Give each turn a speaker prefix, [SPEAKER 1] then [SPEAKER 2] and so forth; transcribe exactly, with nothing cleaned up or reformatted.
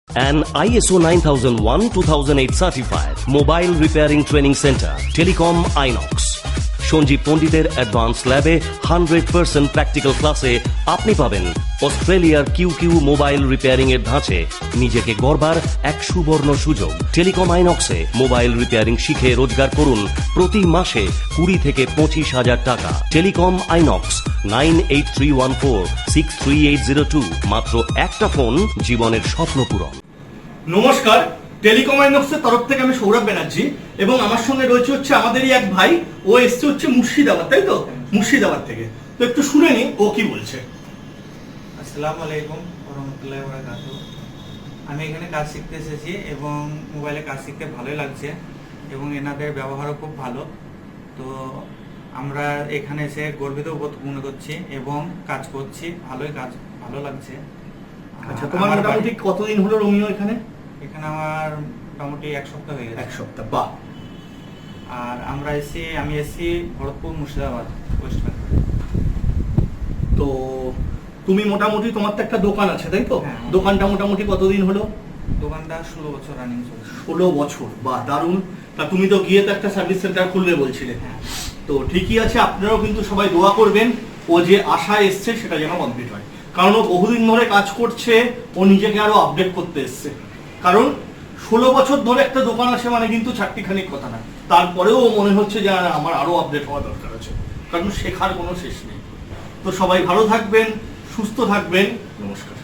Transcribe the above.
[SPEAKER 1] An I S O nine thousand one two thousand eight certified mobile repairing training center, Telecom Inox. Sanjeev পণ্ডিতের advance ল্যাবে hundred percent practical ক্লাসে আপনি পাবেন অস্ট্রেলিয়ার Q Q mobile repairing এর ধাঁচে নিজেকে গড়বার এক সুবর্ণ সুযোগ। টেলিকম আইনক্সে মোবাইল রিপেয়ারিং শিখে রোজগার করুন প্রতি মাসে কুড়ি থেকে পঁচিশ হাজার টাকা। Telecom Inox nine eight three one four six three eight zero two. মাত্র একটা ফোন, জীবনের স্বপ্ন পূরণ।
[SPEAKER 2] নমস্কার, টেলিকম আইনক্সের তরফ থেকে আমি সৌরভ ব্যানার্জি এবং আমার সঙ্গে রয়েছে হচ্ছে আমাদেরই এক ভাই। ও এসছে হচ্ছে মুর্শিদাবাদ, তাই তো? মুর্শিদাবাদ থেকে। তো একটু শুনে নি ও কি বলছে।
[SPEAKER 3] আসসালামু আলাইকুম ওয়া রাহমাতুল্লাহি ওয়া বারাকাতুহু। আমি এখানে কাজ শিখতে এসেছি এবং মোবাইলে কাজ শিখতে ভালোই লাগছে এবং এনাদের ব্যবহারও খুব ভালো। তো আমরা এখানে এসে গর্বিত বোধ মনে করছি এবং কাজ করছি, ভালোই কাজ ভালো লাগছে।
[SPEAKER 2] আচ্ছা, তোমার মোটামুটি কতদিন হলো রোমিও এখানে?
[SPEAKER 3] এখানে আমার মোটামুটি এক সপ্তাহ হয়ে গেছে।
[SPEAKER 2] এক সপ্তাহ, বাহ।
[SPEAKER 3] আর আমরা এসি আমি এসি ভরতপুর মুর্শিদাবাদ, ওয়েস্ট বেঙ্গল।
[SPEAKER 2] তো তুমি মোটামুটি তোমার তো একটা দোকান আছে, তাই তো?
[SPEAKER 3] হ্যাঁ।
[SPEAKER 2] দোকানটা মোটামুটি কতদিন হলো?
[SPEAKER 3] দোকানটা ষোলো বছর রানিং চলছে।
[SPEAKER 2] ষোলো বছর, বাহ, দারুণ। তা তুমি তো গিয়ে তো একটা সার্ভিস সেন্টার খুলবে বলছিলে।
[SPEAKER 3] হ্যাঁ।
[SPEAKER 2] তো ঠিকই আছে, আপনারাও কিন্তু সবাই দোয়া করবেন ও যে আশায় এসছে সেটা যেন কমপ্লিট হয়। কারণ ও বহুদিন ধরে কাজ করছে, ও নিজেকে আরো আপডেট করতে এসছে। কারণ ষোলো বছর ধরে একটা দোকান আছে মানে কিন্তু চারটিখানিক কথা না। তারপরেও মনে হচ্ছে যে আমার আরো আপডেট হওয়া দরকার আছে, কারণ শেখার কোনো শেষ নেই। তো সবাই ভালো থাকবেন, সুস্থ থাকবেন, নমস্কার।